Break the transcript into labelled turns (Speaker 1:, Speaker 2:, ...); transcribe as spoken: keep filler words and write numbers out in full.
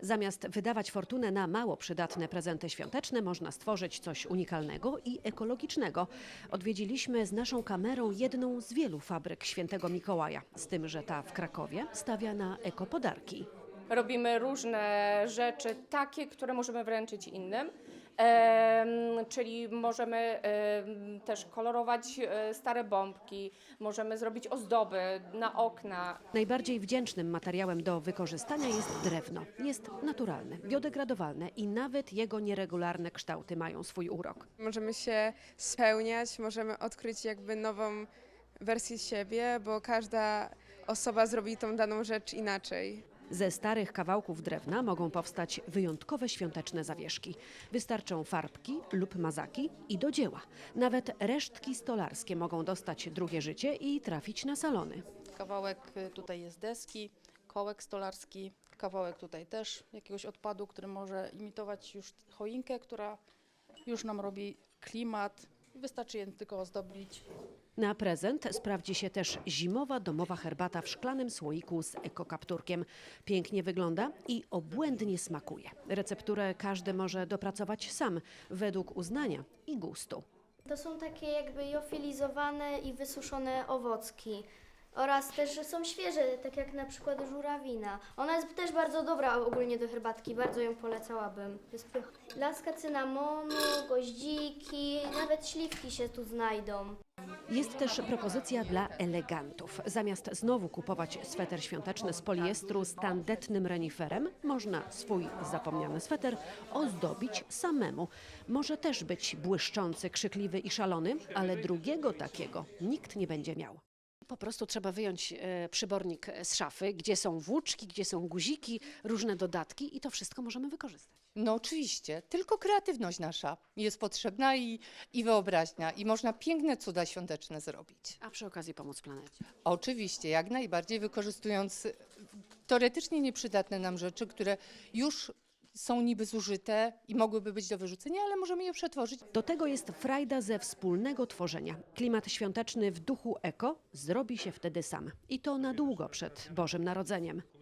Speaker 1: Zamiast wydawać fortunę na mało przydatne prezenty świąteczne, można stworzyć coś unikalnego i ekologicznego. Odwiedziliśmy z naszą kamerą jedną z wielu fabryk Świętego Mikołaja, z tym, że ta w Krakowie stawia na ekopodarki.
Speaker 2: Robimy różne rzeczy, takie, które możemy wręczyć innym. Em, czyli możemy em, też kolorować e, stare bombki, możemy zrobić ozdoby na okna.
Speaker 1: Najbardziej wdzięcznym materiałem do wykorzystania jest drewno. Jest naturalne, biodegradowalne i nawet jego nieregularne kształty mają swój urok.
Speaker 3: Możemy się spełniać, możemy odkryć jakby nową wersję siebie, bo każda osoba zrobi tą daną rzecz inaczej.
Speaker 1: Ze starych kawałków drewna mogą powstać wyjątkowe świąteczne zawieszki. Wystarczą farbki lub mazaki i do dzieła. Nawet resztki stolarskie mogą dostać drugie życie i trafić na salony.
Speaker 4: Kawałek y, tutaj jest deski, kołek stolarski, kawałek tutaj też jakiegoś odpadu, który może imitować już choinkę, która już nam robi klimat. Wystarczy je tylko ozdobić.
Speaker 1: Na prezent sprawdzi się też zimowa domowa herbata w szklanym słoiku z ekokapturkiem. Pięknie wygląda i obłędnie smakuje. Recepturę każdy może dopracować sam, według uznania i gustu.
Speaker 5: To są takie jakby jofilizowane i wysuszone owocki. Oraz też, że są świeże, tak jak na przykład żurawina. Ona jest też bardzo dobra ogólnie do herbatki, bardzo ją polecałabym. Jest pycha. Laska cynamonu, goździki, nawet śliwki się tu znajdą.
Speaker 1: Jest też propozycja dla elegantów. Zamiast znowu kupować sweter świąteczny z poliestru z tandetnym reniferem, można swój zapomniany sweter ozdobić samemu. Może też być błyszczący, krzykliwy i szalony, ale drugiego takiego nikt nie będzie miał. Po prostu trzeba wyjąć e, przybornik z szafy, gdzie są włóczki, gdzie są guziki, różne dodatki i to wszystko możemy wykorzystać.
Speaker 6: No oczywiście, tylko kreatywność nasza jest potrzebna i, i wyobraźnia i można piękne cuda świąteczne zrobić.
Speaker 1: A przy okazji pomóc planecie.
Speaker 6: Oczywiście, jak najbardziej wykorzystując teoretycznie nieprzydatne nam rzeczy, które już są niby zużyte i mogłyby być do wyrzucenia, ale możemy je przetworzyć.
Speaker 1: Do tego jest frajda ze wspólnego tworzenia. Klimat świąteczny w duchu eko zrobi się wtedy sam. I to na długo przed Bożym Narodzeniem.